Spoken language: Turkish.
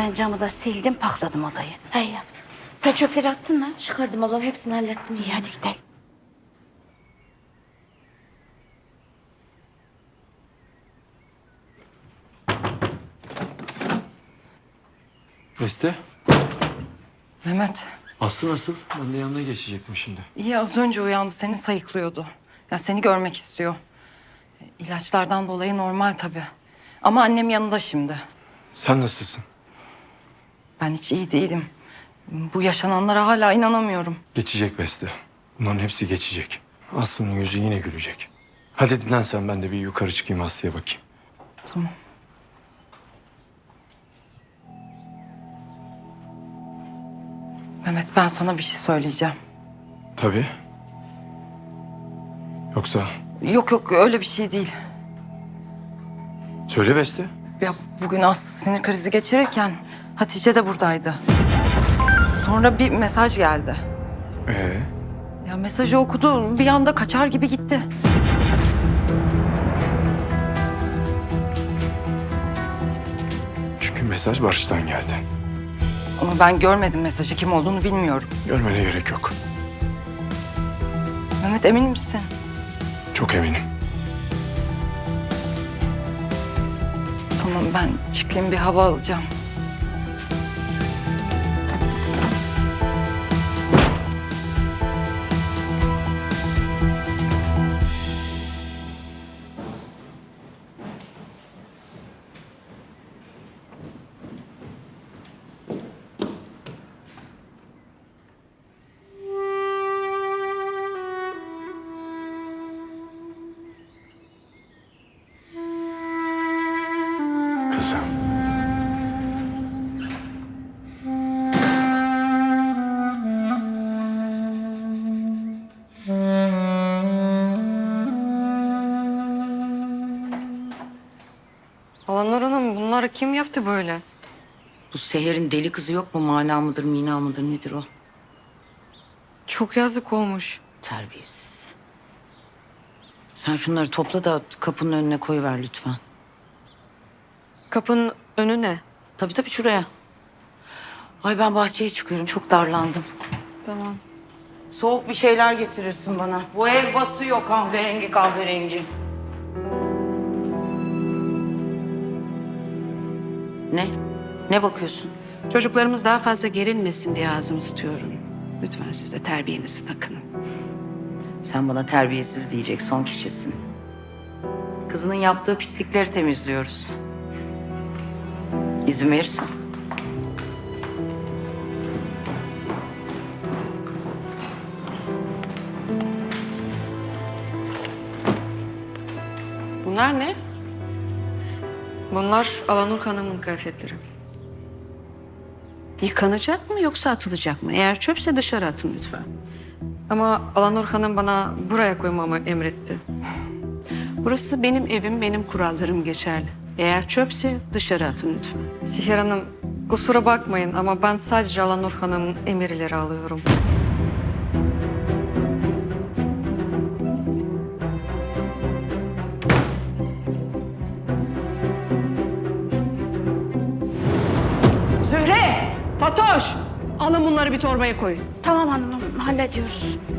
Ben camı da sildim, pakladım odayı. Hey yaptım. Sen çöpleri attın mı? Çıkardım ablam, hepsini hallettim. İyi hadi gidelim. Beste, Mehmet, Aslı nasıl? Ben de yanına geçecektim şimdi. iyi az önce uyandı. Seni sayıklıyordu. Ya seni görmek istiyor. İlaçlardan dolayı normal tabii. Ama annem yanında şimdi. Sen nasılsın? Ben hiç iyi değilim. Bu yaşananlara hala inanamıyorum. Geçecek Beste. Bunların hepsi geçecek. Aslı'nın yüzü yine gülecek. Hadi dinlen sen, ben de bir yukarı çıkayım Aslı'ya bakayım. Tamam. Mehmet, ben sana bir şey söyleyeceğim. Tabii. Yoksa Yok yok, öyle bir şey değil. söyle Beste. Ya bugün Aslı sinir krizi geçirirken Hatice de buradaydı. Sonra bir mesaj geldi. Ya mesajı okudu, bir anda kaçar gibi gitti. Çünkü mesaj Barış'tan geldi. Ama ben görmedim mesajı, kim olduğunu bilmiyorum. Görmene gerek yok. Mehmet, emin misin? Çok eminim. Tamam, ben çıkayım bir hava alacağım. Kızım. Alanur Hanım, bunları kim yaptı böyle? Bu Seher'in deli kızı yok mu? Mana mıdır, mina mıdır, nedir o? Çok yazık olmuş. Terbiyesiz. Sen şunları topla da kapının önüne koyuver lütfen. Kapının önü ne? Tabii tabii, şuraya. Ay ben bahçeye çıkıyorum, çok darlandım. Tamam. Soğuk bir şeyler getirirsin bana. Bu ev basıyor kahverengi kahverengi. Ne? Ne bakıyorsun? Çocuklarımız daha fazla gerilmesin diye ağzımı tutuyorum. Lütfen siz de terbiyenizi takının. Sen bana terbiyesiz diyecek son kişisin. Kızının yaptığı pislikleri temizliyoruz. İzin verirsen. Bunlar ne? Bunlar Alanur Hanım'ın kıyafetleri. Yıkanacak mı yoksa atılacak mı? Eğer çöpse dışarı atın lütfen. Ama Alanur Hanım bana buraya koymamı emretti. Burası benim evim, benim kurallarım geçerli. Eğer çöpse dışarı atın lütfen. Siher Hanım, kusura bakmayın ama ben sadece Alanur Hanım'ın emirleri alıyorum. Zühre! Fatoş! Alın bunları bir torbaya koyun. Tamam hanımım, hallediyoruz.